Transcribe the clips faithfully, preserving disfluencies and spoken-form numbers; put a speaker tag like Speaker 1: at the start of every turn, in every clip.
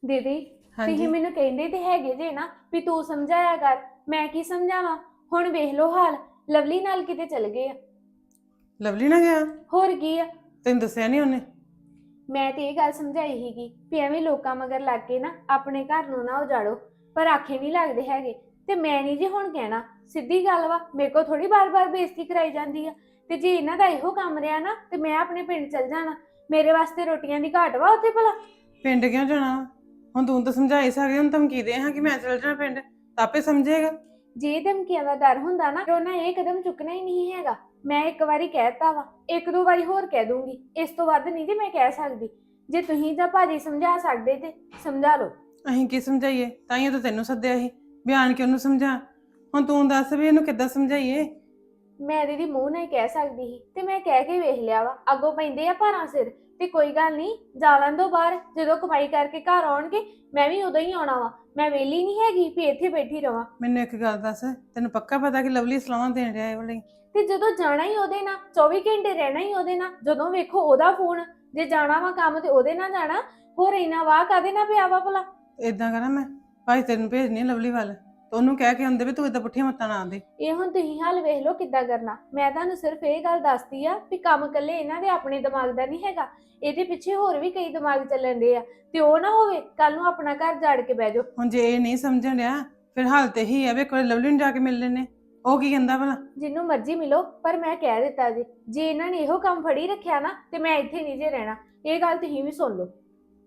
Speaker 1: ਦੀਦੀ ਤੁਸੀਂ
Speaker 2: ਹਾਂਜੀ।
Speaker 1: ਮੈਨੂੰ ਕਹਿੰਦੇ ਤੇ ਹੈਗੇ ਜੇ ਨਾ ਵੀ ਤੂੰ ਸਮਝਾਇਆ ਕਰ। ਮੈਂ ਕੀ ਸਮਝਾਵਾਂ? ਹੁਣ ਵੇਖ ਲੋ ਹਾਲ, ਲਵਲੀ ਨਾਲ ਕਿਤੇ ਚਲ ਗਏ ਆ।
Speaker 2: ਲਵਲੀ ਨਾ ਗਿਆ?
Speaker 1: ਹੋਰ ਕੀ ਆ।
Speaker 2: ਤੈਨੂੰ ਦੱਸਿਆ ਨਹੀਂ ਉਹਨੇ?
Speaker 1: ਮੈਂ ਤੇ ਇਹ ਗੱਲ ਸਮਝਾਈ ਸੀਗੀ ਵੀ ਐਵੇਂ ਲੋਕਾਂ ਮਗਰ ਲੱਗ ਕੇ ਨਾ ਆਪਣੇ ਘਰ ਨੂੰ ਨਾ ਉਜਾੜੋ, ਪਰ ਆਖੇ ਨਹੀਂ ਲੱਗਦੇ ਹੈਗੇ। ਤੇ ਮੈਂ ਨਹੀਂ ਜੇ ਹੁਣ ਕਹਿਣਾ, ਸਿੱਧੀ ਗੱਲ ਵਾ, ਮੇਰੇ ਕੋਲ ਥੋੜੀ ਬਾਰ-ਬਾਰ ਬੇਇੱਜ਼ਤੀ ਕਰਾਈ ਜਾਂਦੀ ਆ। ਤੇ ਜੇ ਇਹਨਾਂ ਦਾ ਇਹੋ ਕੰਮ ਰਿਹਾ ਨਾ ਤੇ ਮੈਂ ਆਪਣੇ ਪਿੰਡ ਚਲ ਜਾਣਾ। ਮੇਰੇ ਵਾਸਤੇ ਰੋਟੀਆਂ ਦੀ ਘਾਟ ਵਾ ਉੱਥੇ ਭਲਾ?
Speaker 2: ਪਿੰਡ ਕਿਉਂ ਜਾਣਾ ਵਾ? ਹੁਣ ਤੂੰ ਤਾਂ ਸਮਝਾ ਹੀ ਸਕਦੀ, ਹੁਣ ਧਮਕੀ ਦੇ ਹਾਂ ਕਿ ਮੈਂ ਚਲ ਜਾਣਾ ਪਿੰਡ, ਤਾਂ ਆਪੇ ਸਮਝੇਗਾ।
Speaker 1: ਜੇ ਧਮਕੀਆਂ ਦਾ ਡਰ ਹੁੰਦਾ ਨਾ ਤੇ ਉਹਨਾਂ ਇਹ ਕਦਮ ਚੁੱਕਣਾ ਹੀ ਨਹੀਂ ਹੈਗਾ। ਮੈਂ ਇੱਕ ਵਾਰੀ ਕਹਿਤਾ ਵਾ, ਇੱਕ ਦੋ ਵਾਰੀ ਹੋਰ ਕਹਿ ਦੂੰਗੀ, ਇਸ ਤੋਂ ਵੱਧ ਨਹੀਂ ਜੇ ਮੈਂ ਕਹਿ ਸਕਦੀ। ਜੇ ਤੁਸੀਂ ਜਾਂ ਭਾਜੀ ਸਮਝਾ ਸਕਦੇ ਤੇ ਸਮਝਾ ਲਓ।
Speaker 2: ਅਸੀਂ ਕੀ ਸਮਝਾਈਏ? ਤਾਂ ਹੀ ਤਾਂ ਤੈਨੂੰ ਸੱਦਿਆ ਸੀ, ਬਿਆਨ ਕਿ ਉਹਨੂੰ ਸਮਝਾ। ਹੁਣ ਤੂੰ ਦੱਸ ਵੀ ਇਹਨੂੰ ਕਿੱਦਾਂ ਸਮਝਾਈਏ?
Speaker 1: ਮੈਂ ਦੀਦੀ ਮੂੰਹ ਨਾਲ ਹੀ ਕਹਿ ਸਕਦੀ ਸੀ ਤੇ ਮੈਂ ਕਹਿ ਕੇ ਵੇਖ ਲਿਆ ਵਾ। ਅੱਗੋਂ ਪੈਂਦੇ ਆ ਭਾਰਾਂ ਸਿਰ ਤੇ ਕੋਈ ਗੱਲ ਨਹੀਂ, ਜਾ ਲੈਣ ਦੋ ਬਾਹਰ। ਜਦੋਂ ਕਮਾਈ ਕਰਕੇ ਘਰ ਆਉਣਗੇ ਮੈਂ ਵੀ ਉਦੋਂ ਹੀ ਆਉਣਾ ਵਾ। ਮੈਂ ਵਿਹਲੀ ਨਹੀਂ ਹੈਗੀ ਵੀ ਇੱਥੇ ਬੈਠੀ ਰਵਾਂ।
Speaker 2: ਮੈਨੂੰ ਇੱਕ ਗੱਲ ਦੱਸ, ਤੈਨੂੰ ਪੱਕਾ ਪਤਾ ਕਿ ਲਵਲੀ ਸਲਾਹਾਂ ਦੇਣ ਰਿਹਾ ਇਹ ਵਾਲੀ?
Speaker 1: ਤੇ ਜਦੋਂ ਜਾਣਾ ਹੀ ਉਹਦੇ ਨਾਲ, ਚੌਵੀ ਘੰਟੇ ਰਹਿਣਾ ਹੀ ਉਹਦੇ ਨਾਲ, ਜਦੋਂ ਵੇਖੋ ਉਹਦਾ ਫੋਨ। ਜੇ ਜਾਣਾ ਵਾ ਕੰਮ ਤੇ ਉਹਦੇ ਨਾਲ ਜਾਣਾ, ਹੋਰ ਇੰਨਾ ਵਾਹ ਕਾਹਦੇ ਨਾਲ ਪਿਆ ਵਾ ਭਲਾ?
Speaker 2: ਇਦਾਂ ਕਰਾਂ ਮੈਂ, ਭਾਈ ਤੈਨੂੰ ਭੇਜਣੀ ਆ ਲਵਲੀ ਵੱਲ, ਤੇ ਉਹਨੂੰ ਕਹਿ ਕੇ ਆਉਂਦੇ ਵੀ ਤੂੰ ਏਦਾਂ ਪੁੱਠੀਆਂ ਮੱਤਾਂ ਨਾ ਆਂਦੇ।
Speaker 1: ਇਹ ਹੁਣ ਤੁਸੀਂ ਹਾਲ ਵੇਖ ਲਓ ਕਿੱਦਾਂ ਕਰਨਾ। ਮੈਂ ਤੁਹਾਨੂੰ ਸਿਰਫ ਇਹ ਗੱਲ ਦੱਸਦੀ ਆ ਵੀ ਕੰਮ ਇਕੱਲੇ ਇਹਨਾਂ ਦੇ ਆਪਣੇ ਦਿਮਾਗ ਦਾ ਨਹੀਂ ਹੈਗਾ, ਇਹਦੇ ਪਿੱਛੇ ਹੋਰ ਵੀ ਕਈ ਦਿਮਾਗ ਚੱਲਣ ਦੇ ਆ। ਤੇ ਉਹ ਨਾ ਹੋਵੇ ਕੱਲ ਨੂੰ ਆਪਣਾ ਘਰ ਜਾੜ ਕੇ ਬਹਿ ਜਾਓ।
Speaker 2: ਹੁਣ ਜੇ ਇਹ ਨਹੀਂ ਸਮਝਣ ਡਿਆ ਫਿਰ ਹਾਲ ਤੇ ਹੀ ਆ ਵੀ ਕੋਈ ਲਵਲੀ ਨੂੰ ਜਾ ਕੇ ਮਿਲ ਲੈਨੇ, ਉਹ ਕੀ ਕਹਿੰਦਾ ਭਲਾ?
Speaker 1: ਜਿੰਨੂੰ ਮਰਜ਼ੀ ਮਿਲੋ, ਪਰ ਮੈਂ ਕਹਿ ਦਿੱਤਾ ਜੀ, ਜੇ ਇਹਨਾਂ ਨੇ ਇਹੋ ਕੰਮ ਫੜੀ ਰੱਖਿਆ ਨਾ ਤੇ ਮੈਂ ਇੱਥੇ ਨਹੀਂ ਜੇ ਰਹਿਣਾ। ਇਹ ਗੱਲ ਤੁਸੀਂ ਵੀ ਸੁਣ ਲਓ।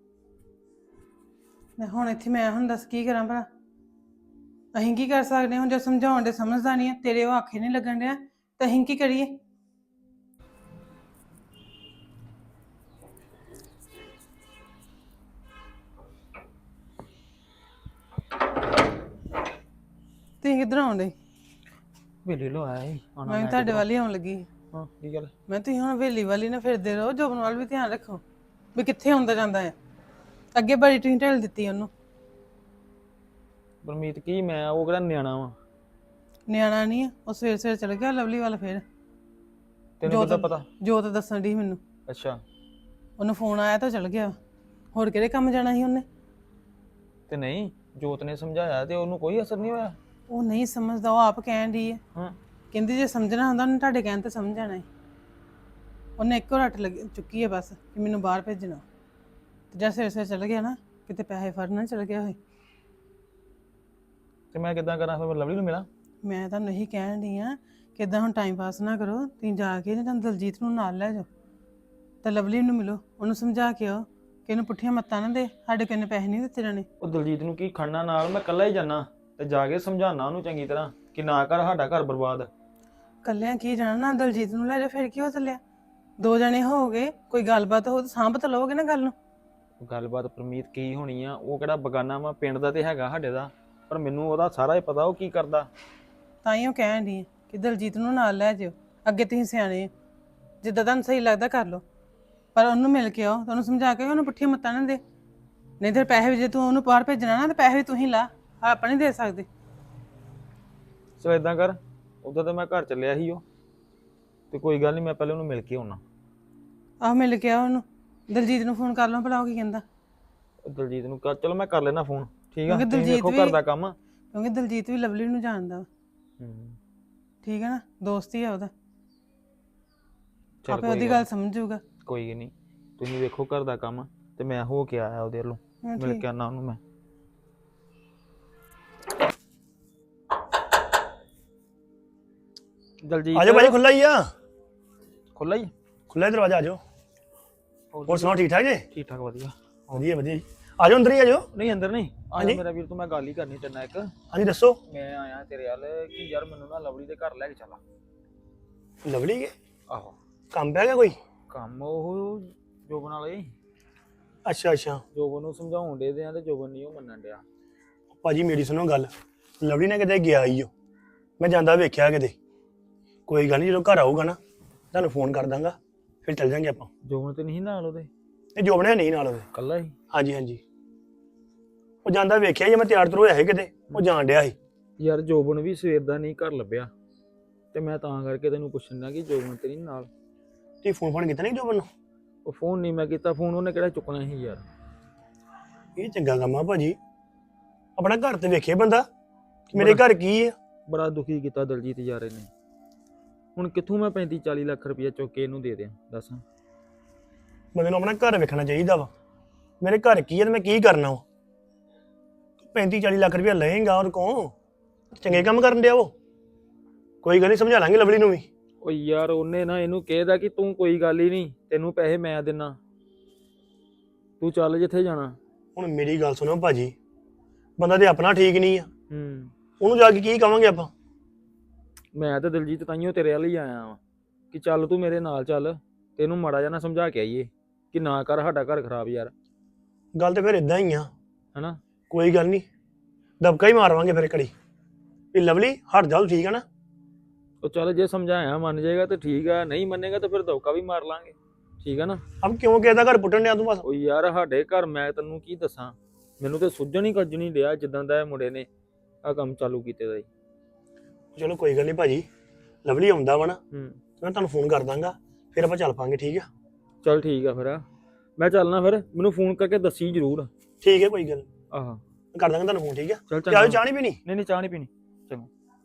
Speaker 2: ਹੁਣ ਇੱਥੇ ਮੈਂ ਹੁਣ ਦੱਸ ਕੀ ਕਰਾਂ ਭਲਾ? ਅਸੀਂ ਕੀ ਕਰ ਸਕਦੇ ਹਾਂ? ਹੁਣ ਜੇ ਸਮਝਾਉਣ ਦੇ ਸਮਝਦਾ ਨਹੀਂ ਆ, ਤੇਰੇ ਉਹ ਆਖੇ ਨਹੀਂ ਲੱਗਣ ਡਿਆ, ਤਾਂ ਅਸੀਂ ਕੀ ਕਰੀਏ? ਤੁਸੀਂ ਕਿੱਧਰ ਆਉਂਦੇ?
Speaker 3: ਵੇਲੇ ਲੋ ਆਇਆ ਸੀ ਆਉਣਾ
Speaker 2: ਮੈਂ ਵੀ ਤੁਹਾਡੇ ਵੱਲ ਹੀ ਆਉਣ ਲੱਗੀ ਸੀ।
Speaker 3: ਹਾਂ ਕੀ ਗੱਲ?
Speaker 2: ਮੈਂ ਤੁਸੀਂ ਹੁਣ ਹਵੇਲੀ ਵਾਲੀ ਨਾ ਫਿਰਦੇ ਰਹੋ, ਜੋਬਨ ਵੱਲ ਵੀ ਧਿਆਨ ਰੱਖੋ ਵੀ ਕਿੱਥੇ ਆਉਂਦਾ ਜਾਂਦਾ ਹੈ। ਅੱਗੇ ਬੜੀ ਤੁਸੀਂ ਢਿੱਲ ਦਿੱਤੀ ਉਹਨੂੰ।
Speaker 3: ਪਰਮੀਤ ਕੀ ਮੈਂ ਉਹ ਕਿਹੜਾ ਨਿਆਣਾ ਵਾ?
Speaker 2: ਨਿਆਣਾ ਨਹੀਂ ਆ, ਉਹ ਸਵੇਰ ਸਵੇਰ ਚਲ ਗਿਆ ਲਵਲੀ ਵੱਲ। ਫਿਰ
Speaker 3: ਤੈਨੂੰ ਕਿੱਦਾਂ ਪਤਾ?
Speaker 2: ਜੋਤ ਦੱਸਣ ਦੀ ਮੈਨੂੰ।
Speaker 3: ਅੱਛਾ।
Speaker 2: ਉਹਨੂੰ ਫੋਨ ਆਇਆ ਤਾਂ ਚਲ ਗਿਆ। ਹੋਰ ਕਿਹੜੇ ਕੰਮ ਜਾਣਾ ਸੀ ਉਹਨੇ?
Speaker 3: ਤੇ ਨਹੀਂ ਜੋਤ ਨੇ ਸਮਝਾਇਆ ਤੇ ਉਹਨੂੰ ਕੋਈ ਅਸਰ ਨਹੀਂ ਹੋਇਆ?
Speaker 2: ਉਹ ਨਹੀਂ ਸਮਝਦਾ, ਉਹ ਆਪ ਕਹਿਣ ਦੀ ਹੈ।
Speaker 3: ਹਾਂ
Speaker 2: ਕਹਿੰਦੀ ਜੇ ਸਮਝਣਾ ਹੁੰਦਾ ਉਹਨੇ ਤੁਹਾਡੇ ਕਹਿਣ ਤੇ ਸਮਝ ਜਾਣਾ ਹੈ। ਉਹਨੇ ਇੱਕੋ ਰੱਟ ਲੱਗ ਚੁੱਕੀ ਹੈ ਬਸ ਕਿ ਮੈਨੂੰ ਬਾਹਰ ਭੇਜਣਾ। ਤੇ ਜਾਂ ਸਵੇਰ ਸਵੇਰ ਚਲ ਗਿਆ ਨਾ, ਕਿਤੇ ਪੈਸੇ ਫੜਨ ਚਲ ਗਿਆ ਹੋਏ।
Speaker 3: ਤੇ ਮੈਂ ਕਿੱਦਾਂ ਕਰਾਂ? ਫਿਰ ਮੈਂ ਲਵਲੀ ਨੂੰ ਮਿਲਾਂ?
Speaker 2: ਮੈਂ ਤੁਹਾਨੂੰ ਇਹੀ ਕਹਿਣ ਡਈ ਆ ਕਿ ਇੱਦਾਂ ਹੁਣ ਟਾਈਮ ਪਾਸ ਨਾ ਕਰੋ। ਤੁਸੀਂ ਜਾ ਕੇ ਨਾ ਤੁਹਾਨੂੰ ਦਲਜੀਤ ਨੂੰ ਨਾਲ ਲੈ ਜਾਓ ਤੇ ਲਵਲੀ ਨੂੰ ਮਿਲੋ, ਉਹਨੂੰ ਸਮਝਾ ਕੇ ਆਓ ਕਿ ਇਹਨੂੰ ਪੁੱਠੀਆਂ ਮੱਤਾਂ ਨਾ ਦੇ, ਸਾਡੇ ਕੋਲ ਇੰਨੇ ਪੈਸੇ ਨਹੀਂ ਦਿੱਤੇ ਜਾਣੇ।
Speaker 3: ਉਹ ਦਲਜੀਤ ਨੂੰ ਕੀ ਖੜਨਾ ਨਾਲ? ਮੈਂ ਇਕੱਲਾ ਹੀ ਜਾਣਾ ਤੇ ਜਾ ਕੇ ਸਮਝਾਉਣਾ ਉਹਨੂੰ ਚੰਗੀ ਤਰ੍ਹਾਂ ਕਿ ਨਾ ਕਰ ਸਾਡਾ ਘਰ ਬਰਬਾਦ।
Speaker 2: ਕੱਲਿਆਂ ਕੀ ਜਾਣਾ, ਨਾ ਦਲਜੀਤ ਨੂੰ ਲੈ ਜਾ, ਫਿਰ ਕੀ ਹੋ ਚੱਲਿਆ? ਦੋ ਜਣੇ ਹੋ ਗਏ, ਕੋਈ ਗੱਲਬਾਤ ਹੋ ਤਾਂ ਸਾਂਭ ਤਾਂ ਲਓਗੇ ਨਾ ਗੱਲ ਨੂੰ।
Speaker 3: ਗੱਲਬਾਤ ਪਰਮੀਤ ਕੀ ਹੋਣੀ ਆ? ਉਹ ਕਿਹੜਾ ਬਗਾਨਾ ਵਾ? ਪਿੰਡ ਦਾ ਤੇ ਹੈਗਾ ਸਾਡੇ ਦਾ, ਪਰ ਮੈਨੂੰ ਉਹਦਾ ਸਾਰਾ ਹੀ ਪਤਾ ਉਹ ਕੀ ਕਰਦਾ।
Speaker 2: ਤਾਂ ਹੀ ਉਹ ਕਹਿਣ ਡਈ ਕਿ ਦਲਜੀਤ ਨੂੰ ਨਾਲ ਲੈ ਜਾਓ। ਅੱਗੇ ਤੁਸੀਂ ਸਿਆਣੇ ਹੋ, ਜਿੱਦਾਂ ਤੁਹਾਨੂੰ ਸਹੀ ਲੱਗਦਾ ਕਰ ਲਓ, ਪਰ ਉਹਨੂੰ ਮਿਲ ਕੇ ਆਓ, ਤੁਹਾਨੂੰ ਸਮਝਾ ਕੇ ਉਹਨੂੰ ਪੁੱਠੀਆਂ ਮੱਤਾਂ ਨਾ ਦੇ। ਨਹੀਂ ਤੇ ਪੈਸੇ ਵੀ ਜੇ ਤੂੰ ਉਹਨੂੰ ਬਾਹਰ ਭੇਜਣਾ ਨਾ, ਤੇ ਪੈਸੇ ਵੀ ਤੂੰ ਹੀ ਲਾ, ਆਪਾਂ ਨਹੀਂ ਦੇ ਸਕਦੇ।
Speaker 3: ਸੋ ਇਦਾਂ ਕਰ, ਉਦੋਂ ਤਾਂ ਮੈਂ ਘਰ ਚੱਲਿਆ ਸੀ ਉਹ, ਤੇ ਕੋਈ ਗੱਲ ਨਹੀਂ ਮੈਂ ਪਹਿਲੇ ਉਹਨੂੰ ਮਿਲ ਕੇ ਆਉਣਾ।
Speaker 2: ਆਹੋ ਮਿਲ ਕੇ ਆ ਉਹਨੂੰ। ਦਲਜੀਤ ਨੂੰ ਫੋਨ ਕਰ ਲਓ ਭਲਾ ਉਹ ਕੀ ਕਹਿੰਦਾ।
Speaker 3: ਦਲਜੀਤ ਨੂੰ ਕਰ, ਚਲੋ ਮੈਂ ਕਰ ਲੈਣਾ ਫੋਨ। ਠੀਕ ਆ,
Speaker 2: ਕਿਉਂਕਿ
Speaker 3: ਤੁਸੀਂ
Speaker 2: ਦਲਜੀਤ
Speaker 3: ਦੇਖੋ
Speaker 2: ਵੀ
Speaker 3: ਘਰ ਦਾ ਕੰਮ।
Speaker 2: ਕਿਉਂਕਿ ਦਲਜੀਤ ਵੀ ਲਵਲੀ ਨੂੰ ਜਾਣਦਾ ਵਾ।
Speaker 3: ਹੂੰ
Speaker 2: ਠੀਕ ਹੈ ਨਾ, ਦੋਸਤ ਹੀ ਆ ਉਹਦਾ,
Speaker 3: ਚੱਲ
Speaker 2: ਆਪੇ
Speaker 3: ਕੋਈ
Speaker 2: ਉਹਦੀ
Speaker 3: ਗੱਲ
Speaker 2: ਗੱਲ ਸਮਝੂਗਾ।
Speaker 3: ਕੋਈ ਨਹੀਂ, ਤੁਸੀਂ ਵੇਖੋ ਘਰ ਦਾ ਕੰਮ ਤੇ ਮੈਂ ਹੋ ਕੇ ਆਇਆ ਉਹਦੇ ਵੱਲੋਂ,
Speaker 2: ਹਾਂ,
Speaker 3: ਮਿਲ
Speaker 2: ਠੀਕ।
Speaker 3: ਕੇ ਆਉਣਾ ਉਹਨੂੰ ਮੈਂ। ਦਲਜੀਤ
Speaker 4: ਆਜੋ ਭਾਜੀ, ਖੁੱਲਾ ਹੀ ਆ।
Speaker 3: ਖੁੱਲਾ ਹੀ
Speaker 4: ਖੁੱਲਾ ਦਰਵਾਜ਼ਾ, ਆਜੋ। ਹੋਰ ਸੁਣਾਓ, ਠੀਕ ਠਾਕ ਜੀ?
Speaker 3: ਠੀਕ ਠਾਕ ਵਧੀਆ
Speaker 4: ਵਧੀਆ ਵਧੀਆ ਜੀ। ਆਜੋ ਅੰਦਰ ਹੀ ਆਜੋ।
Speaker 3: ਨਹੀਂ ਅੰਦਰ ਨਹੀਂ ਆ
Speaker 4: ਹਾਂਜੀ?
Speaker 3: ਮੇਰਾ ਵੀਰ, ਤੂੰ ਮੈਂ ਗੱਲ ਹੀ ਕਰਨੀ ਤੇਰੇ ਨਾਲ ਇੱਕ।
Speaker 4: ਹਾਂਜੀ ਦੱਸੋ।
Speaker 3: ਮੈਂ ਆਇਆ ਤੇਰੇ ਵੱਲ ਕਿ ਯਾਰ ਮੈਨੂੰ ਨਾ ਲਵਲੀ ਦੇ ਘਰ ਲੈ ਕੇ ਚੱਲਾ।
Speaker 4: ਲਵਲੀ ਕੇ
Speaker 3: ਆਹੋ
Speaker 4: ਕੰਮ ਪੈ ਗਿਆ ਕੋਈ?
Speaker 3: ਕੰਮ ਉਹ ਜੋਬਨ ਵਾਲੇ,
Speaker 4: ਅੱਛਾ ਅੱਛਾ।
Speaker 3: ਜੋਬਨ ਨੂੰ ਸਮਝਾਉਣ ਦੇ ਦਿਆਂ ਤੇ ਜੋਬਨ ਨਹੀਂ ਉਹ ਮੰਨਣ ਡਿਆ।
Speaker 4: ਭਾਜੀ ਮੇਰੀ ਸੁਣੋ ਗੱਲ, ਲਵਲੀ ਨੇ ਕਿਤੇ ਗਿਆ ਹੀ ਉਹ, ਮੈਂ ਜਾਂਦਾ ਵੇਖਿਆ ਕਿਤੇ। ਕੋਈ ਗੱਲ ਨਹੀਂ, ਜਦੋਂ ਘਰ ਆਊਗਾ ਨਾ ਤੁਹਾਨੂੰ ਫੋਨ ਕਰ ਦਾਂਗਾ, ਫਿਰ ਚੱਲ ਜਾਂਗੇ ਆਪਾਂ।
Speaker 3: ਜੋਬਨ ਤੇ ਨਹੀਂ ਨਾਲ ਉਹਦੇ?
Speaker 4: ਇਹ ਜੋਬਣਿਆ ਨਹੀਂ ਨਾਲ ਉਹਦੇ।
Speaker 3: ਕੱਲਾ ਹੀ?
Speaker 4: ਹਾਂਜੀ ਹਾਂਜੀ, ਉਹ ਜਾਂਦਾ ਵੇਖਿਆ ਜੀ, ਮੈਂ ਤਿਆਰ ਤੁਰ ਹੋਇਆ ਸੀ ਕਿਤੇ, ਉਹ ਜਾਣ ਡਿਆ ਸੀ।
Speaker 3: ਯਾਰ ਜੋਬਨ ਵੀ ਸਵੇਰ ਦਾ ਨਹੀਂ ਘਰ ਲੱਭਿਆ, ਤੇ ਮੈਂ ਤਾਂ ਕਰਕੇ ਤੈਨੂੰ ਪੁੱਛਣਾ ਕਿ ਜੋਬਨ ਤੇ ਨਹੀਂ ਨਾਲ।
Speaker 4: ਤੁਸੀਂ ਫੋਨ ਫੋਨ ਕੀਤਾ ਨਹੀਂ ਜੋਬਨ ਨੂੰ?
Speaker 3: ਉਹ ਫੋਨ ਨਹੀਂ ਮੈਂ ਕੀਤਾ, ਫੋਨ ਉਹਨੇ ਕਿਹੜਾ ਚੁੱਕਣਾ ਸੀ ਯਾਰ।
Speaker 4: ਇਹ ਚੰਗਾ ਕੰਮ ਆ ਭਾਜੀ। ਆਪਣਾ ਘਰ ਤੇ ਵੇਖੇ ਬੰਦਾ ਕਿ ਮੇਰੇ ਘਰ ਕੀ ਆ।
Speaker 3: ਬੜਾ ਦੁਖੀ ਕੀਤਾ ਦਲਜੀਤ ਯਾਰ ਇਹਨੇ। ਹੁਣ ਕਿੱਥੋਂ ਮੈਂ ਪੈਂਤੀ ਚਾਲੀ ਲੱਖ ਰੁਪਏ ਚੁੱਕ ਕੇ ਇਹਨੂੰ ਦੇ ਦਿਆਂ ਦੱਸ।
Speaker 4: ਬੰਦੇ ਨੂੰ ਆਪਣਾ ਘਰ ਵੇਖਣਾ ਚਾਹੀਦਾ ਵਾ। ਮੇਰੇ ਘਰ ਕੀ ਆ ਤੇ ਮੈਂ ਕੀ ਕਰਨਾ ਵਾ। ਪੈਂਤੀ ਚਾਲੀ ਲੱਖ ਰੁਪਇਆ ਲਏਗਾ ਔਰ ਕੋਲ ਚੰਗੇ ਕੰਮ ਕਰਨ ਡਿਆ ਉਹ। ਕੋਈ ਗੱਲ ਨਹੀਂ, ਸਮਝਾ ਲਾਂਗੇ ਲਵਲੀ ਨੂੰ ਵੀ।
Speaker 3: ਓ ਯਾਰ ਉਹਨੇ ਨਾ ਇਹਨੂੰ ਕਿਹਾ ਕਿ ਤੂੰ ਕੋਈ ਗੱਲ ਹੀ ਨਹੀਂ, ਤੈਨੂੰ ਪੈਸੇ ਮੈਂ ਦਿੰਨਾ, ਤੂੰ ਚੱਲ ਜਿੱਥੇ ਜਾਣਾ।
Speaker 4: ਹੁਣ ਮੇਰੀ ਗੱਲ ਸੁਣੋ ਭਾਜੀ, ਬੰਦਾ ਤੇ ਆਪਣਾ ਠੀਕ ਨਹੀਂ ਆ,
Speaker 3: ਹੂੰ
Speaker 4: ਉਹਨੂੰ ਜਾ ਕੇ ਕੀ ਕਵਾਂਗੇ ਆਪਾਂ।
Speaker 3: ਮੈਂ ਤਾਂ ਦਿਲਜੀਤ ਤਾਈਓ ਤੇਰੇ ਵੱਲ ਹੀ ਆਇਆ ਵਾਂ ਕਿ ਚੱਲ ਤੂੰ ਮੇਰੇ ਨਾਲ ਚੱਲ, ਤੈਨੂੰ ਮਾੜਾ ਜਿਹਾ ਨਾ ਸਮਝਾ ਕੇ ਆਈਏ ਕਿ ਨਾ ਕਰ ਸਾਡਾ ਘਰ ਖਰਾਬ ਯਾਰ।
Speaker 4: ਗੱਲ ਤੇ ਫਿਰ ਇਦਾਂ ਹੀ ਆ
Speaker 3: ਹਨਾ।
Speaker 4: ਕੋਈ ਗੱਲ ਨਹੀਂ, ਦਬਕਾ ਹੀ ਮਾਰਵਾਂਗੇ ਫਿਰ ਘੜੀ ਵੀ ਲਵਲੀ ਹਟ ਜਾ, ਠੀਕ ਆ ਨਾ।
Speaker 3: ਉਹ ਚੱਲ ਜੇ ਸਮਝਾਇਆ ਮੰਨ ਜਾਏਗਾ ਤਾਂ ਠੀਕ ਆ, ਨਹੀਂ ਮੰਨੇਗਾ ਤਾਂ ਫਿਰ ਦੌਕਾ ਵੀ ਮਾਰ ਲਾਂਗੇ, ਠੀਕ ਆ ਨਾ।
Speaker 4: ਅਬ ਕਿਉਂ ਕਿਹਦਾ ਘਰ ਪੁੱਟਣ ਡਿਆ ਤੂੰ ਬਸ।
Speaker 3: ਉਹ ਯਾਰ ਸਾਡੇ ਘਰ ਮੈਂ ਤੈਨੂੰ ਕੀ ਦੱਸਾਂ, ਮੈਨੂੰ ਤੇ ਸੁੱਝਣ ਹੀ ਕੱਜ ਨਹੀਂ ਡਿਆ ਜਿੱਦਾਂ ਦਾ ਇਹ ਮੁੰਡੇ ਨੇ ਆਹ ਕੰਮ ਚਾਲੂ ਕੀਤੇ ਦਾ ਹੀ।
Speaker 4: ਚਲੋ ਕੋਈ ਗੱਲ ਨਹੀਂ ਭਾਜੀ, ਲਵਲੀ ਆਉਂਦਾ ਵਾ ਨਾ,
Speaker 3: ਹੂੰ
Speaker 4: ਮੈਂ ਤੁਹਾਨੂੰ ਫੋਨ ਕਰ ਦਾਂਗਾ, ਫਿਰ ਆਪਾਂ ਚੱਲ ਪਾਂਗੇ, ਠੀਕ ਆ।
Speaker 3: ਚੱਲ ਠੀਕ ਆ ਫਿਰ, ਮੈਂ ਚੱਲਣਾ ਫਿਰ, ਮੈਨੂੰ ਫੋਨ ਕਰਕੇ ਦੱਸੀ ਜ਼ਰੂਰ।
Speaker 4: ਠੀਕ ਹੈ, ਕੋਈ ਗੱਲ ਨੀ।
Speaker 3: ਆਹ
Speaker 4: ਮੈਂ ਕਰ ਦਾਂਗਾ ਤੁਹਾਨੂੰ ਫੋਨ, ਠੀਕ ਆ।
Speaker 3: ਚੱਲ
Speaker 4: ਚਾਹ
Speaker 3: ਚੰਗਾ।
Speaker 4: ਚਾਹ ਨਹੀਂ ਪੀਣੀ?
Speaker 3: ਨਹੀਂ ਨਹੀਂ ਚਾਹ ਨਹੀਂ ਪੀਣੀ। ਚੰਗਾ।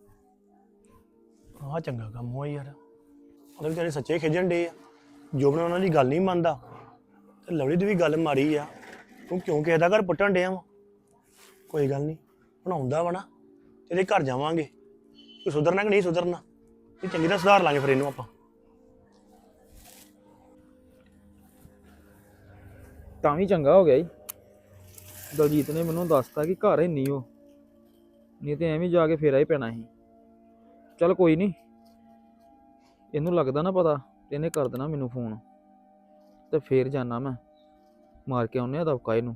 Speaker 4: ਆਹ ਚੰਗਾ ਕੰਮ ਹੋਇਆ ਯਾਰ, ਉਹਦੇ ਵਿਚਾਰੇ ਸੱਚੇ ਖਿਜਣ ਡੇ ਆ। ਜੋਬਨ ਉਹਨਾਂ ਦੀ ਗੱਲ ਨਹੀਂ ਮੰਨਦਾ ਤੇ ਲਵਲੀ ਦੀ ਵੀ ਗੱਲ ਮਾਰੀ ਆ, ਤੂੰ ਕਿਉਂ ਕਿਸੇ ਦਾ ਘਰ ਪੁੱਟਣ ਡਿਆ ਵਾ। ਕੋਈ ਗੱਲ ਨਹੀਂ, ਹੁਣ ਆਉਂਦਾ ਵਾ ਨਾ ਤੇ ਇਹਦੇ ਘਰ ਜਾਵਾਂਗੇ, ਕੋਈ ਸੁਧਰਨਾ ਕਿ ਨਹੀਂ ਸੁਧਰਨਾ ਇਹ ਚੰਗੀ ਤਰ੍ਹਾਂ ਸੁਧਾਰ ਲਾਂਗੇ ਫਿਰ ਇਹਨੂੰ ਆਪਾਂ।
Speaker 3: ਤਾਂ ਵੀ ਚੰਗਾ ਹੋ ਗਿਆ ਜੀ, ਦਲਜੀਤ ਨੇ ਮੈਨੂੰ ਦੱਸਤਾ ਕਿ ਘਰ ਹੈ ਨਹੀਂ ਉਹ, ਨਹੀਂ ਤੇ ਐਵੇਂ ਜਾ ਕੇ ਫੇਰਾ ਹੀ ਪੈਣਾ ਸੀ। ਚੱਲ ਕੋਈ ਨਹੀਂ, ਇਹਨੂੰ ਲੱਗਦਾ ਨਾ ਪਤਾ ਤੇ ਇਹਨੇ ਕਰ ਦੇਣਾ ਮੈਨੂੰ ਫੋਨ, ਤੇ ਫੇਰ ਜਾਣਾ ਮੈਂ ਮਾਰ ਕੇ ਆਉਨੇ ਆ ਦਬਕਾ ਇਹਨੂੰ।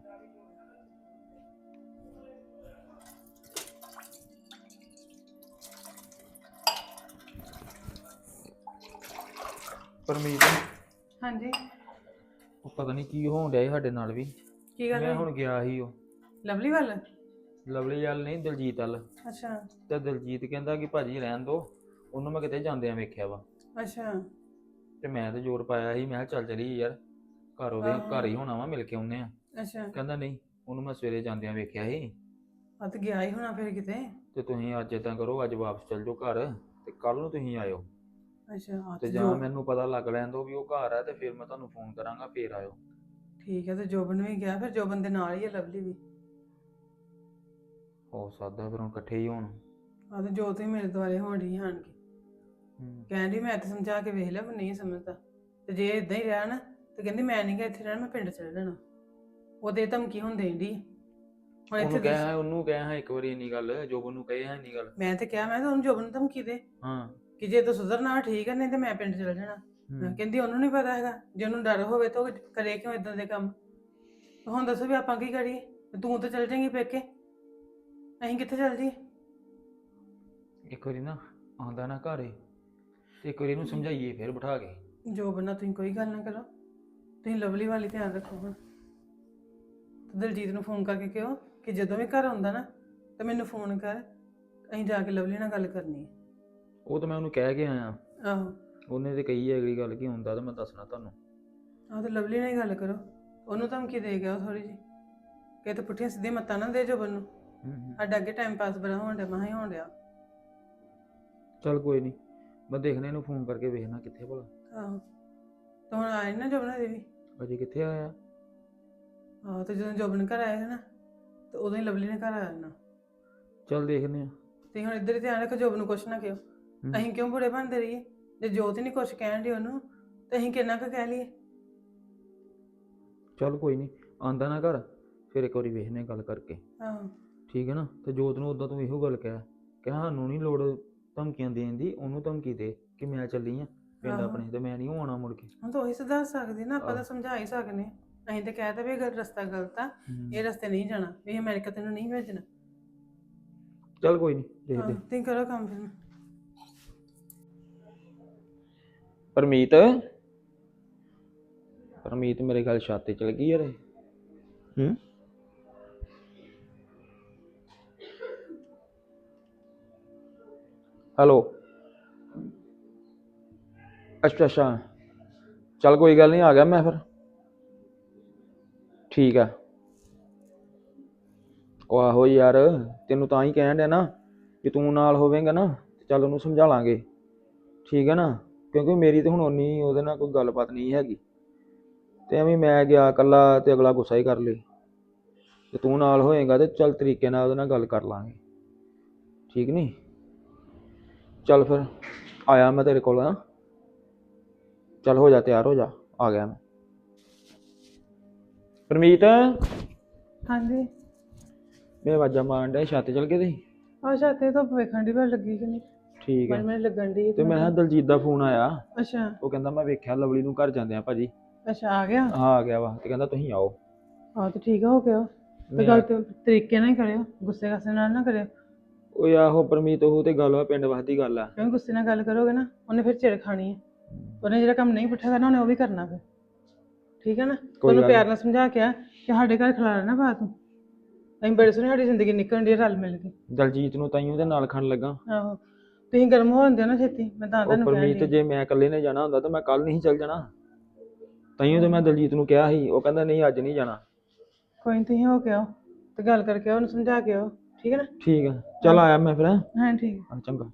Speaker 3: ਪਰਮੀਤ
Speaker 2: ਹਾਂਜੀ,
Speaker 3: ਉਹ ਪਤਾ ਨਹੀਂ ਕੀ ਹੋਣ ਡਿਆ ਸੀ ਸਾਡੇ ਨਾਲ ਵੀ।
Speaker 2: ਕੀ ਗੱਲ
Speaker 3: ਮੈਂ
Speaker 2: ਹੋਈ?
Speaker 3: ਹੁਣ ਗਿਆ ਸੀ ਉਹ
Speaker 2: ਲਵਲੀ ਵੱਲ?
Speaker 3: ਲਵਲੀ ਵੱਲ ਨਹੀਂ, ਦਲਜੀਤ ਵੱਲ।
Speaker 2: ਅੱਛਾ
Speaker 3: ਤੇ ਦਲਜੀਤ ਕਹਿੰਦਾ ਕਿ ਭਾਜੀ ਰਹਿਣ ਦੋ, ਉਹਨੂੰ ਮੈਂ ਕਿਤੇ ਜਾਂਦਿਆਂ ਵੇਖਿਆ ਵਾ।
Speaker 2: ਅੱਛਾ।
Speaker 3: ਤੇ ਮੈਂ ਤੇ ਜ਼ੋਰ ਪਾਇਆ ਸੀ, ਮੈਂ ਕਿਹਾ ਚੱਲ ਚਲੀ ਯਾਰ, ਘਰ ਉਹਦੇ
Speaker 2: ਆਹੋ।
Speaker 3: ਘਰ ਹੀ ਹੋਣਾ ਵਾ, ਮਿਲ ਕੇ ਆਉਨੇ ਆ।
Speaker 2: ਅੱਛਾ,
Speaker 3: ਕਹਿੰਦਾ ਨਹੀਂ, ਉਹਨੂੰ ਮੈਂ ਸਵੇਰੇ ਜਾਂਦਿਆਂ ਵੇਖਿਆ ਸੀ,
Speaker 2: ਆ ਤੇ ਗਿਆ ਹੀ ਹੋਣਾ ਫਿਰ ਕਿਤੇ।
Speaker 3: ਤੇ ਤੁਸੀਂ ਅੱਜ ਏਦਾਂ ਕਰੋ, ਅੱਜ ਵਾਪਸ ਚੱਲ ਜਾਓ ਘਰ ਤੇ ਕੱਲ ਨੂੰ ਤੁਸੀਂ ਆਇਓ।
Speaker 2: ਅੱਛਾ ਆ
Speaker 3: ਤੇ
Speaker 2: ਤੇ
Speaker 3: ਜਾਂ
Speaker 2: ਜੋ
Speaker 3: ਮੈਨੂੰ ਪਤਾ ਲੱਗ ਲੈਣ ਦੋ ਵੀ ਉਹ ਘਰ ਆ, ਤੇ ਫਿਰ ਮੈਂ ਤੁਹਾਨੂੰ ਫੋਨ ਕਰਾਂਗਾ, ਫੇਰ ਆਇਓ।
Speaker 2: ਠੀਕ ਹੈ, ਤੇ ਜੋਬਨ ਵੀ ਗਿਆ, ਫਿਰ ਜੋਬਨ ਦੇ ਨਾਲ ਹੀ ਹੈ ਲਵਲੀ ਵੀ।
Speaker 3: ਹੋ ਸਕਦਾ ਫਿਰ ਹੁਣ ਇਕੱਠੇ ਹੀ ਹੋਣ।
Speaker 2: ਆ ਤੇ ਜੋ ਤੁਸੀਂ ਮੇਰੇ ਦੁਆਲੇ ਹੋਣ ਡਈ ਆਣ ਕੇ
Speaker 3: ਹੂੰ।
Speaker 2: ਕਹਿੰਦੀ ਮੈਂ ਤੇ ਸਮਝਾ ਕੇ ਵੇਖ ਲਿਆ ਪਰ ਨਹੀਂ ਸਮਝਦਾ, ਤੇ ਜੇ ਇਦਾਂ ਹੀ ਰਿਹਾ ਨਾ ਤੇ ਕਹਿੰਦੀ ਮੈਂ ਨਹੀਂ ਗਾ ਇੱਥੇ ਰਹਿਣਾ, ਮੈਂ ਪਿੰਡ ਚਲੇ ਜਾਣਾ। ਉਹਦੇ ਧਮਕੀ ਹੁਣ ਦੇਣ ਡਈ ਹੁਣ
Speaker 3: ਉਹਨੂੰ
Speaker 2: ਇੱਥੇ
Speaker 3: ਕਹਿਆ ਉਹਨੂੰ ਕਹਿਆ ਇੱਕ ਵਾਰੀ ਇੰਨੀ ਗੱਲ, ਜੋਬਨ ਨੂੰ ਕਹੇ ਹੈ ਇੰਨੀ ਗੱਲ।
Speaker 2: ਮੈਂ ਤੇ ਕਿਹਾ ਮੈਂ ਤਾਂ ਉਹਨੂੰ ਜੋਬਨ ਨੂੰ ਧਮਕੀ ਦੇ
Speaker 3: ਹਾਂ।
Speaker 2: ਕਿ ਜੇ ਤੂੰ ਸੁਧਰਨਾ ਠੀਕ ਹੈ, ਨਹੀਂ ਤੇ ਮੈਂ ਪਿੰਡ ਚਲੇ ਜਾਣਾ।
Speaker 3: ਹੂੰ।
Speaker 2: ਕਹਿੰਦੀ ਉਹਨੂੰ ਨਹੀਂ ਪਤਾ ਹੈਗਾ, ਜੇ ਉਹਨੂੰ ਡਰ ਹੋਵੇ ਤਾਂ ਉਹ ਕਰੇ ਕਿਉਂ ਇਦਾਂ ਦੇ ਕੰਮ। ਹੁਣ ਦੱਸੋ ਵੀ ਆਪਾਂ ਕੀ ਕਰੀਏ? ਤੂੰ ਤਾਂ ਚੱਲ ਜਾਏਂਗੀ ਪੇਕੇ, ਅਸੀਂ ਕਿੱਥੇ ਚੱਲ ਜਾਈਏ?
Speaker 3: ਇੱਕ ਵਾਰੀ ਨਾ ਆਉਂਦਾ ਨਾ ਘਰੇ, ਤੇ ਇੱਕ ਵਾਰੀ ਇਹਨੂੰ ਸਮਝਾਈਏ ਫਿਰ ਬਿਠਾ ਕੇ।
Speaker 2: ਜੋ ਬੰਨਾ ਤੁਸੀਂ ਕੋਈ ਗੱਲ ਨਾ ਕਰੋ, ਤੁਸੀਂ ਲਵਲੀ ਵਾਲੀ ਧਿਆਨ ਰੱਖੋ। ਹੁਣ ਤੇ ਦਲਜੀਤ ਨੂੰ ਫੋਨ ਕਰਕੇ ਕਿਹੋ ਕਿ ਜਦੋਂ ਵੀ ਘਰ ਆਉਂਦਾ ਨਾ ਤਾਂ ਮੈਨੂੰ ਫੋਨ ਕਰ, ਅਸੀਂ ਜਾ ਕੇ ਲਵਲੀ ਨਾਲ ਗੱਲ ਕਰਨੀ ਹੈ।
Speaker 3: ਉਹ ਤਾਂ ਮੈਂ ਉਹਨੂੰ ਕਹਿ ਕੇ ਆਇਆ,
Speaker 2: ਆਹੋ,
Speaker 3: ਉਹਨੇ ਤੇ ਕਹੀ ਹੈ ਅਗਲੀ ਗੱਲ ਕੀ ਹੁੰਦਾ, ਤਾਂ ਮੈਂ ਦੱਸਣਾ ਤੁਹਾਨੂੰ।
Speaker 2: ਆਹ ਤੇ ਲਵਲੀ ਨਾਲ ਹੀ ਗੱਲ ਕਰੋ, ਉਹਨੂੰ ਧਮਕੀ ਦੇ ਗਿਆ ਥੋੜੀ ਜਿਹੀ ਕਿ ਤੇ ਪੁੱਠੀਆਂ ਸਿੱਧੀਆਂ ਮੱਤਾਂ ਨਾ ਦੇ ਜੋਬਨ ਨੂੰ।
Speaker 3: ਹੂੰ ਹੂੰ।
Speaker 2: ਸਾਡਾ ਅੱਗੇ ਟਾਈਮ ਪਾਸ ਬੜਾ ਹੋਣ ਡਿਆ, ਮਹਾਂ ਹੀ ਹੋਣ ਡਿਆ।
Speaker 3: ਚੱਲ ਕੋਈ ਨਹੀਂ, ਮੈਂ ਦੇਖਣਾ ਇਹਨੂੰ ਫੋਨ ਕਰਕੇ ਵੇਖਣਾ ਕਿੱਥੇ ਭਲਾ।
Speaker 2: ਆਹੋ, ਤੇ ਹੁਣ ਆਏ ਨਾ ਜੋਬਨ ਦੇ ਵੀ।
Speaker 3: ਅਜੇ ਕਿੱਥੇ ਆਇਆ?
Speaker 2: ਆਹੋ, ਤੇ ਜਦੋਂ ਜੋਬਨ ਘਰ ਆਏਗਾ ਨਾ ਤੇ ਉਦੋਂ ਹੀ ਲਵਲੀ ਨੇ ਘਰ ਆ ਜਾਣਾ।
Speaker 3: ਚੱਲ ਦੇਖਦੇ ਆ।
Speaker 2: ਤੇ ਹੁਣ ਇੱਧਰ ਹੀ ਧਿਆਨ ਰੱਖੋ, ਜੋਬਨ ਨੂੰ ਕੁਛ ਨਾ ਕਿਹੋ। ਅਸੀਂ ਕਿਉਂ ਬੁਰੇ ਬਣਦੇ ਰਹੀਏ? ਜੇ ਜੋਤ ਹੀ ਨਹੀਂ ਕੁਛ ਕਹਿਣ ਡਈ ਉਹਨੂੰ ਤੇ ਅਸੀਂ ਕਿੰਨਾ ਕੁ ਕਹਿ ਲਈਏ?
Speaker 3: ਚੱਲ ਕੋਈ ਨਹੀਂ, ਆਂਦਾ ਨਾ ਘਰ ਫਿਰ ਇੱਕ ਵਾਰੀ ਵੇਖਨੇ ਗੱਲ ਕਰਕੇ,
Speaker 2: ਆਹੋ
Speaker 3: ਠੀਕ ਹੈ ਨਾ। ਤੇ ਜੋਤ ਨੂੰ ਉਦਾਂ ਤੂੰ ਇਹੋ ਗੱਲ ਕਹਿ ਕਿ ਸਾਨੂੰ ਨਹੀਂ ਲੋੜ ਧਮਕੀਆਂ ਦੇਣ ਦੀ, ਉਹਨੂੰ ਧਮਕੀ ਦੇ ਕਿ ਮੈਂ ਚੱਲੀ ਆ ਪਿੰਡ
Speaker 2: ਆਹੋ।
Speaker 3: ਆਪਣੇ, ਤੇ ਮੈਂ ਨਹੀਂ ਆਉਣਾ ਮੁੜ ਕੇ।
Speaker 2: ਹੁਣ ਤਾਂ ਉਹੀ ਸੁਧਾਰ ਸਕਦੇ ਨਾ, ਆਪਾਂ ਤਾਂ
Speaker 3: ਆਹੋ।
Speaker 2: ਸਮਝਾ ਹੀ ਸਕਦੇ ਹਾਂ। ਅਸੀਂ ਤਾਂ ਕਹਿ ਤਾ ਵੀ ਇਹ ਗੱਲ ਰਸਤਾ ਗਲਤ ਆ, ਇਹ ਰਸਤੇ ਨਹੀਂ ਜਾਣਾ, ਵੀ ਇਹ ਅਮਰੀਕਾ ਤੈਨੂੰ ਨਹੀਂ ਭੇਜਣਾ।
Speaker 3: ਚੱਲ ਕੋਈ ਨਹੀਂ
Speaker 2: ਹਾਂ,
Speaker 3: ਦੇਖਦੇ।
Speaker 2: ਤੁਸੀਂ ਕਰੋ ਕੰਮ ਫਿਰ।
Speaker 3: ਪਰਮੀਤ ਪਰਮੀਤ ਮੇਰੇ ਗੱਲ ਛੱਤ ਤੇ ਚਲ ਗਈ ਯਾਰ। ਹੂੰ। ਹੈਲੋ। ਅੱਛਾ ਅੱਛਾ, ਚੱਲ ਕੋਈ ਗੱਲ ਨਹੀਂ, ਆ ਗਿਆ ਮੈਂ ਫਿਰ। ਠੀਕ ਆ। ਉਹ ਆਹੋ ਯਾਰ, ਤੈਨੂੰ ਤਾਂ ਹੀ ਕਹਿਣ ਡਿਆ ਨਾ ਕਿ ਤੂੰ ਨਾਲ ਹੋਵੇਂਗਾ ਨਾ ਤੇ ਚੱਲ ਉਹਨੂੰ ਸਮਝਾ ਲਾਂਗੇ, ਠੀਕ ਹੈ ਨਾ। ਕਿਉਂਕਿ ਮੇਰੀ ਤੇ ਹੁਣ ਉਨੀ ਉਹਦੇ ਨਾਲ ਕੋਈ ਗੱਲਬਾਤ ਨਹੀਂ ਹੈਗੀ, ਤੇ ਐਵੇਂ ਮੈਂ ਗਿਆ ਇਕੱਲਾ ਤੇ ਅਗਲਾ ਗੁੱਸਾ ਹੀ ਕਰ ਲੇ। ਤੇ ਤੂੰ ਨਾਲ ਹੋਏਗਾ ਤੇ ਚੱਲ ਤਰੀਕੇ ਨਾਲ ਉਹਦੇ ਨਾਲ ਗੱਲ ਕਰ ਲਾਂਗੇ, ਠੀਕ ਨਹੀਂ। ਚੱਲ ਫਿਰ ਆਇਆ ਮੈਂ ਤੇਰੇ ਕੋਲ, ਹਾਂ ਚੱਲ ਹੋ ਜਾ ਤਿਆਰ ਹੋ ਜਾ, ਆ ਗਿਆ ਮੈਂ। ਪਰਮੀਤ,
Speaker 2: ਹਾਂਜੀ।
Speaker 3: ਮੈਂ ਆਵਾਜ਼ਾਂ ਮਾਰਨ ਡਿਆ, ਛੱਤ ਚਲ ਗਏ ਤੁਸੀਂ?
Speaker 2: ਆ ਛਾਤੇ ਧੁੱਪ ਵੇਖਣ ਦੀ ਪਰ ਲੱਗੀ ਕਿ ਨਹੀਂ।
Speaker 3: ਠੀਕ ਹੈ।
Speaker 2: ਮੈਨੂੰ ਲੱਗਣ ਦੀ
Speaker 3: ਤੇ ਮੈਂ ਕਿਹਾ ਦਲਜੀਤ ਦਾ ਫੋਨ ਆਇਆ,
Speaker 2: ਅੱਛਾ
Speaker 3: ਉਹ ਕਹਿੰਦਾ ਮੈਂ ਵੇਖਿਆ ਲਵਲੀ ਨੂੰ ਘਰ ਜਾਂਦੇ ਆ ਭਾਜੀ।
Speaker 2: ਅੱਛਾ ਆ ਗਿਆ।
Speaker 3: ਹਾਂ ਆ ਗਿਆ ਵਾ, ਤੇ ਕਹਿੰਦਾ ਤੁਸੀਂ ਆਓ।
Speaker 2: ਹਾਂ ਤੇ ਠੀਕ ਆ, ਹੋ ਗਿਆ। ਤੇ
Speaker 3: ਮੈਂ-
Speaker 2: ਗੱਲ ਤੇ ਤਰੀਕੇ ਨਾਲ ਹੀ ਕਰਿਓ, ਗੁੱਸੇ ਕਾਸੇ ਨਾਲ ਨਾ ਕਰਿਓ।
Speaker 3: ਉਹ ਆਹੋ ਪਰਮੀਤ, ਉਹ ਤੇ ਗੱਲ ਵਾ ਪਿੰਡ ਵਾਸਤੇ ਗੱਲ ਆ।
Speaker 2: ਕਿਉਂਕਿ ਗੁੱਸੇ ਨਾਲ ਗੱਲ ਕਰੋਗੇ ਨਾ ਉਹਨੇ ਫਿਰ ਚਿੜ ਖਾਣੀ ਹੈ। ਉਹਨੇ ਜਿਹੜਾ ਕੰਮ ਨਹੀਂ ਪੁੱਠਾ ਕਰਨਾ ਉਹਨੇ ਉਹ ਵੀ ਕਰਨਾ ਫਿਰ, ਠੀਕ ਹੈ ਨਾ। ਉਹਨੂੰ
Speaker 3: ਗੱਲ
Speaker 2: ਪਿਆਰ ਨਾਲ ਸਮਝਾ ਕੇ ਆ ਕਿ ਸਾਡੇ ਘਰ ਖਿਲਾਰਾ ਨਾ ਪਾ ਤੂੰ, ਅਸੀਂ ਬੜੇ ਸੋਹਣੀ ਸਾਡੀ ਜ਼ਿੰਦਗੀ ਨਿਕਲਣ ਦੀ ਰਲ ਮਿਲ ਕੇ।
Speaker 3: ਦਲਜੀਤ ਨੂੰ ਤਾਈਓ ਦੇ ਨਾਲ ਖਣ ਲੱਗਾ।
Speaker 2: ਆਹੋ ਤੁਸੀਂ ਗਰਮ ਹੋ ਜਾਂਦੇ ਹੋ ਨਾ ਛੇਤੀ, ਮੈਂ ਤਾਂ
Speaker 3: ਉਹ
Speaker 2: ਤੁਹਾਨੂੰ ਕਹਿਣ
Speaker 3: ਪਰਮੀਤ
Speaker 2: ਡਈ।
Speaker 3: ਜੇ ਮੈਂ ਇਕੱਲੇ ਨੇ ਜਾਣਾ ਹੁੰਦਾ ਤਾਂ ਮੈਂ ਕੱਲ ਨਹੀਂ ਚੱਲ ਜਾਣਾ। ਤਾਈਓ ਤੇ ਮੈਂ ਦਲਜੀਤ ਨੂੰ ਕਿਹਾ ਸੀ, ਉਹ ਕਹਿੰਦਾ ਨਹੀਂ ਅੱਜ ਨਹੀਂ ਜਾਣਾ।
Speaker 2: ਕੋਈ ਨਹੀਂ ਤੁਸੀਂ ਹੋ ਕੇ ਆਓ ਤੇ ਗੱਲ ਕਰਕੇ ਆਓ, ਉਹਨੂੰ ਸਮਝਾ ਕੇ ਆਓ, ਠੀਕ ਹੈ ਨਾ।
Speaker 3: ਠੀਕ ਆ, ਚੱਲ ਆਇਆ ਮੈਂ ਫਿਰ। ਹੈਂ?
Speaker 2: ਹਾਂ ਠੀਕ ਹੈ।
Speaker 3: ਹਾਂ ਚੰਗਾ।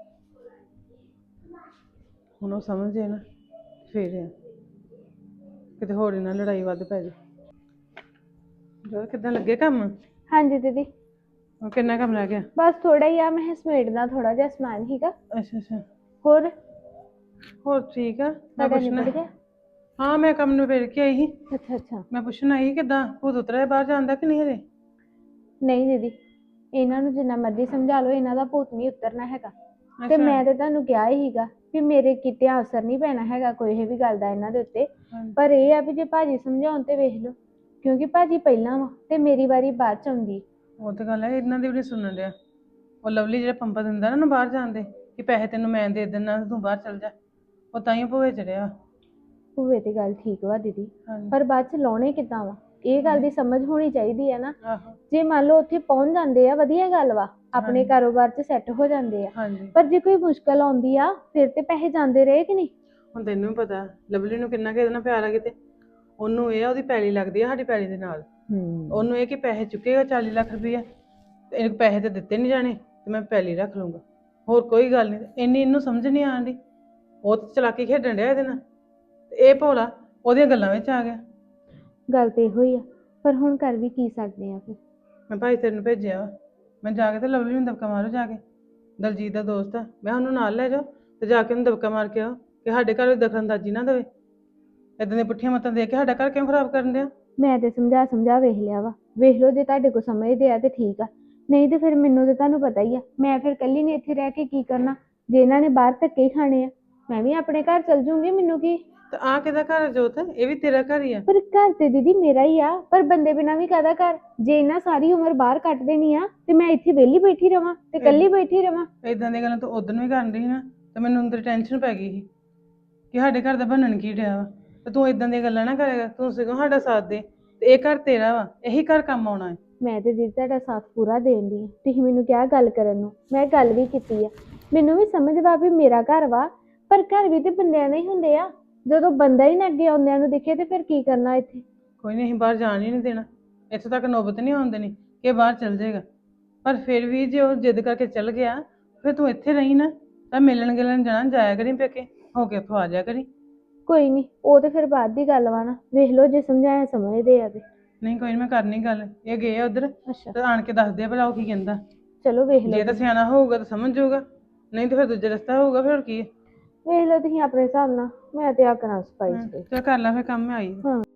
Speaker 2: ਹੁਣ ਉਹ ਸਮਝ ਜੇ ਨਾ ਫੇਰ ਆ, ਕਿਤੇ ਹੋਰ ਇਹਨਾਂ ਲੜਾਈ ਵੱਧ ਪੈ ਜੇ। ਜੋ ਕਿੱਦਾਂ ਲੱਗੇ ਕੰਮ?
Speaker 1: ਹਾਂਜੀ ਦੀਦੀ,
Speaker 2: ਉਹ ਕਿੰਨਾ ਕੰਮ ਰਹਿ ਗਿਆ?
Speaker 1: ਬਸ ਥੋੜਾ ਹੀ ਆ, ਮੈਂ ਸਮੇਟਦਾ ਥੋੜਾ ਜਿਹਾ ਸਮਾਨ ਹੀਗਾ।
Speaker 2: ਅੱਛਾ ਅੱਛਾ।
Speaker 1: ਹੋਰ
Speaker 2: ਹੋਰ ਠੀਕ ਆ। ਮੈਂ
Speaker 1: ਤੁਹਾਡਾ
Speaker 2: ਪੁੱਛਣਾ,
Speaker 1: ਨਿਬੜ ਗਿਆ?
Speaker 2: ਹਾਂ ਮੈਂ ਕੰਮ ਨੂੰ ਵੇੜ ਕੇ ਆਈ ਸੀ।
Speaker 1: ਅੱਛਾ ਅੱਛਾ।
Speaker 2: ਮੈਂ ਪੁੱਛਣਾ ਆਈ ਕਿੱਦਾਂ ਭੂਤ ਉਤਰਿਆ ਬਾਹਰ ਜਾਂਦਾ ਕਿ ਨਹੀਂ ਹਜੇ?
Speaker 1: ਨਹੀਂ ਦੀਦੀ, ਇਹਨਾਂ ਨੂੰ ਜਿੰਨਾ ਮਰਜ਼ੀ ਸਮਝਾ ਲਓ, ਇਹਨਾਂ ਦਾ ਭੂਤ ਨਹੀਂ ਉਤਰਨਾ ਹੈਗਾ। ਤੇ
Speaker 2: ਅੱਛਾ।
Speaker 1: ਮੈਂ ਤੇ ਤੁਹਾਨੂੰ ਕਿਹਾ ਹੀ ਸੀਗਾ ਵੀ ਮੇਰੇ ਕਿਤੇ ਅਸਰ ਨਹੀਂ ਪੈਣਾ ਹੈਗਾ ਕੋਈ ਵੀ ਗੱਲ ਦਾ ਇਹਨਾਂ ਦੇ ਉੱਤੇ।
Speaker 2: ਹਾਂਜੀ।
Speaker 1: ਪਰ ਇਹ ਆ ਵੀ ਜੇ ਭਾਜੀ ਸਮਝਾਉਣ ਤੇ ਵੇਖ ਲਓ, ਕਿਉਂਕਿ ਭਾਜੀ ਪਹਿਲਾਂ ਵਾ ਤੇ ਮੇਰੀ ਵਾਰੀ ਬਾਅਦ ਚ ਆਉਂਦੀ।
Speaker 2: ਉਹ ਤਾਂ ਗੱਲ ਹੈ, ਇਹਨਾਂ ਦੀ ਵੀ ਨਹੀਂ ਸੁਣਨ ਡਿਆ। ਉਹ ਲਵਲੀ ਜਿਹੜਾ ਪੰਪਾ ਦਿੰਦਾ ਨਾ ਉਹਨੂੰ ਬਾਹਰ ਜਾਣ ਦੇ ਕਿ ਪੈਸੇ ਤੈਨੂੰ ਮੈਂ ਦੇ ਦਿੰਦਾ ਤੂੰ ਬਾਹਰ ਚੱਲ ਜਾ, ਉਹ ਤਾਂ ਹੀ ਭੋਏ ਚੜਿਆ।
Speaker 1: ਹੋਵੇ ਤੇ ਗੱਲ ਠੀਕ ਵਾ ਦੀਦੀ,
Speaker 2: ਹਾਂਜੀ।
Speaker 1: ਪਰ ਬਾਅਦ ਚ ਲਾਉਣੇ ਕਿੱਦਾਂ ਵਾ, ਇਹ ਗੱਲ ਦੀ ਸਮਝ ਹੋਣੀ ਚਾਹੀਦੀ ਹੈ ਨਾ।
Speaker 2: ਆਹੋ।
Speaker 1: ਜੇ ਮੰਨ ਲਓ ਉੱਥੇ ਪਹੁੰਚ ਜਾਂਦੇ ਆ ਵਧੀਆ ਗੱਲ ਵਾ, ਆਪਣੇ
Speaker 2: ਹਾਂਜੀ।
Speaker 1: ਕਾਰੋਬਾਰ 'ਚ ਸੈੱਟ ਹੋ ਜਾਂਦੇ ਆ।
Speaker 2: ਹਾਂਜੀ।
Speaker 1: ਪਰ ਜੇ ਕੋਈ ਮੁਸ਼ਕਲ ਆਉਂਦੀ ਆ ਫਿਰ ਤੇ ਪੈਸੇ ਜਾਂਦੇ ਰਹੇ ਕਿ ਨਹੀਂ।
Speaker 2: ਹੁਣ ਤੈਨੂੰ ਵੀ ਪਤਾ ਲਵਲੀ ਨੂੰ ਕਿੰਨਾ ਕਿਹਦੇ ਨਾਲ ਪਿਆਰ ਆ ਕਿਤੇ, ਉਹਨੂੰ ਇਹ ਆ ਉਹਦੀ ਪੈਲੀ ਲੱਗਦੀ ਆ ਸਾਡੀ ਪੈਲੀ ਦੇ ਨਾਲ। ਉਹਨੂੰ ਇਹ ਕਿ ਪੈਸੇ ਚੁੱਕੇਗਾ ਚਾਲੀ ਲੱਖ ਰੁਪਈਆ ਤੇ ਇਹਨੂੰ ਪੈਸੇ ਤੇ ਦਿੱਤੇ ਨਹੀਂ ਜਾਣੇ ਤੇ ਮੈਂ ਪੈਲੀ ਰੱਖ ਲੂੰਗਾ, ਹੋਰ ਕੋਈ ਗੱਲ ਨਹੀਂ। ਇੰਨੀ ਇਹਨੂੰ ਸਮਝ ਨਹੀਂ ਆਉਂਦੀ, ਉਹ ਤੇ ਚਲਾਕੀ ਖੇਡਣ ਡਿਆ ਇਹਦੇ ਨਾਲ ਤੇ ਇਹ ਭੋਲਾ ਉਹਦੀਆਂ ਗੱਲਾਂ ਵਿੱਚ ਆ ਗਿਆ।
Speaker 1: ਗੱਲ ਤੇ ਇਹੋ ਹੀ ਆ, ਪਰ ਹੁਣ ਕਰ ਵੀ ਕੀ ਸਕਦੇ ਆ ਫਿਰ।
Speaker 2: ਮੈਂ ਭਾਈ ਤੇਰੇ ਨੂੰ ਭੇਜਿਆ ਵਾ, ਮੈਂ ਜਾ ਕੇ ਤੇ ਲਵਲੀ ਨੂੰ ਦਬਕਾ ਮਾਰੋ ਜਾ ਕੇ, ਦਲਜੀਤ ਦਾ ਦੋਸਤ ਆ, ਮੈਂ ਉਹਨੂੰ ਨਾਲ ਲੈ ਜਾਓ ਤੇ ਜਾ ਕੇ ਉਹਨੂੰ ਦਬਕਾ ਮਾਰ ਕੇ ਆਓ ਕਿ ਸਾਡੇ ਘਰ ਦਖਲਅੰਦਾਜ਼ੀ ਨਾ ਦੇਵੇ, ਇਦਾਂ ਦੀਆਂ ਪੁੱਠੀਆਂ ਮੱਤਾਂ ਦੇ ਕੇ ਸਾਡਾ ਘਰ ਕਿਉਂ ਖਰਾਬ ਕਰਨ ਡਿਆ।
Speaker 1: ਮੈਂ ਤੇ ਸਮਝਾ ਸਮਝਾ ਵੇਖ ਲਿਆ ਵਾ, ਵੇਖ ਲਓ ਜੇ ਤੁਹਾਡੇ ਕੋਲ ਸਮਝਦੇ ਆ ਤੇ ਠੀਕ ਆ, ਨਹੀਂ ਤੇ ਫਿਰ ਮੈਨੂੰ ਤੇ ਤੁਹਾਨੂੰ ਪਤਾ ਹੀ ਆ, ਮੈਂ ਫਿਰ ਇਕੱਲੀ ਨੇ ਇੱਥੇ ਰਹਿ ਕੇ ਕੀ ਕਰਨਾ। ਜੇ ਇਹਨਾਂ ਨੇ ਬਾਹਰ ਧੱਕੇ ਖਾਣੇ ਆ, ਮੈਂ ਵੀ ਆਪਣੇ ਘਰ ਚਲ ਜੂੰਗੀ, ਮੈਨੂੰ ਕੀ।
Speaker 2: ਤੇ ਆ ਕਿਹਦਾ ਘਰ ਜੋਤ? ਇਹ ਵੀ ਤੇਰਾ ਘਰ ਹੀ ਆ।
Speaker 1: ਪਰ ਘਰ ਤੇ ਦੀਦੀ ਮੇਰਾ ਹੀ ਆ, ਪਰ ਬੰਦੇ ਬਿਨਾਂ ਵੀ ਕਾਹਦਾ ਘਰ। ਜੇ ਇਹਨਾਂ ਸਾਰੀ ਉਮਰ ਬਾਹਰ ਕੱਟ ਦੇਣੀ ਆ ਤੇ ਮੈਂ ਇੱਥੇ ਵਿਹਲੀ ਬੈਠੀ ਰਵਾਂ ਤੇ ਇਕੱਲੀ ਬੈਠੀ ਰਵਾਂ।
Speaker 2: ਇਦਾਂ ਦੀਆਂ ਗੱਲਾਂ ਤੂੰ ਉਦੋਂ ਵੀ ਕਰਨ ਰਹੀ ਨਾ ਤੇ ਮੈਨੂੰ ਅੰਦਰ ਟੈਨਸ਼ਨ ਪੈ ਗਈ ਸੀ ਕਿ ਸਾਡੇ ਘਰ ਦਾ ਬਣਨ ਕੀ ਡਿਆ ਵਾ, ਤੇ ਤੂੰ ਇਦਾਂ ਦੀਆਂ ਗੱਲਾਂ ਨਾ ਕਰੇਗਾ। ਤੂੰ ਸਗੋਂ ਸਾਡਾ ਸਾਥ ਦੇ ਤੇ ਇਹ ਘਰ ਤੇਰਾ ਵਾ, ਇਹੀ ਘਰ ਕੰਮ ਆਉਣਾ ਹੈ।
Speaker 1: ਮੈਂ ਤੇ ਦੀਦੀ ਤੁਹਾਡਾ ਸਾਥ ਪੂਰਾ ਦੇਣ ਦੀ, ਤੁਸੀਂ ਮੈਨੂੰ ਕਿਹਾ ਗੱਲ ਕਰਨ ਨੂੰ, ਮੈਂ ਗੱਲ ਵੀ ਕੀਤੀ ਆ। ਮੈਨੂੰ ਵੀ ਸਮਝ ਵਾ ਵੀ ਮੇਰਾ ਘਰ ਵਾ, ਪਰ ਘਰ ਵੀ ਤੇ ਬੰਦਿਆਂ ਦੇ ਹੀ ਹੁੰਦੇ ਆ। ਜਦੋਂ ਬੰਦਾ ਹੀ ਨਾ ਅੱਗੇ ਆਉਂਦਿਆਂ ਨੂੰ ਦਿਖੇ ਤੇ ਫਿਰ ਕੀ ਕਰਨਾ ਇੱਥੇ।
Speaker 2: ਕੋਈ ਨਹੀਂ, ਅਸੀਂ ਬਾਹਰ ਜਾਣ ਹੀ ਨਹੀਂ ਦੇਣਾ, ਇੱਥੇ ਤੱਕ ਨੌਬਤ ਨਹੀਂ ਆਉਣ ਦੇਣੀ ਕਿ ਇਹ ਬਾਹਰ ਚੱਲ ਜਾਏਗਾ। ਪਰ ਫਿਰ ਵੀ ਜੇ ਉਹ ਜਿੱਦ ਕਰਕੇ ਚੱਲ ਗਿਆ ਫਿਰ ਤੂੰ ਇੱਥੇ ਰਹੀ ਨਾ, ਤਾਂ ਮਿਲਣ ਗਿਲਣ ਜਾਣਾ ਜਾਇਆ ਕਰੀ, ਪੇਕੇ ਹੋ ਕੇ ਉੱਥੋਂ ਆ ਜਾਇਆ ਕਰੀ।
Speaker 1: ਕੋਈ ਨਹੀਂ, ਉਹ ਤੇ ਫਿਰ ਬਾਅਦ ਦੀ ਗੱਲ ਵਾ ਨਾ, ਵੇਖ ਲਓ ਜੇ ਸਮਝਾਇਆ ਸਮਝਦੇ ਆ ਤੇ।
Speaker 2: ਨਹੀਂ ਕੋਈ ਨੀ, ਮੈਂ ਕਰਨੀ ਗੱਲ, ਇਹ ਗਏ ਆ ਉਧਰ
Speaker 1: ਅੱਛਾ
Speaker 2: ਤੇ ਆਣ ਕੇ ਦੱਸਦੇ ਆ ਭਲਾ ਉਹ ਕੀ ਕਹਿੰਦਾ।
Speaker 1: ਚਲੋ ਵੇਖ
Speaker 2: ਜੇ
Speaker 1: ਲਓ,
Speaker 2: ਤਾਂ ਸਿਆਣਾ ਹੋਊਗਾ ਤਾਂ ਸਮਝ ਜਾਊਗਾ, ਨਹੀਂ ਤਾਂ ਫਿਰ ਦੂਜਾ ਰਸਤਾ ਹੋਊਗਾ, ਫਿਰ ਹੋਰ ਕੀ ਹੈ।
Speaker 1: ਵੇਖ ਲਓ ਤੁਸੀਂ ਆਪਣੇ ਹਿਸਾਬ ਨਾਲ, ਮੈਂ ਤੇ ਆ ਕਰਾਂ ਸਫਾਈ ਸਫਾਈ।
Speaker 2: ਚੱਲ ਕਰ ਲੈ ਫਿਰ ਕੰਮ, ਮੈਂ ਆਈ।
Speaker 1: ਹਾਂ।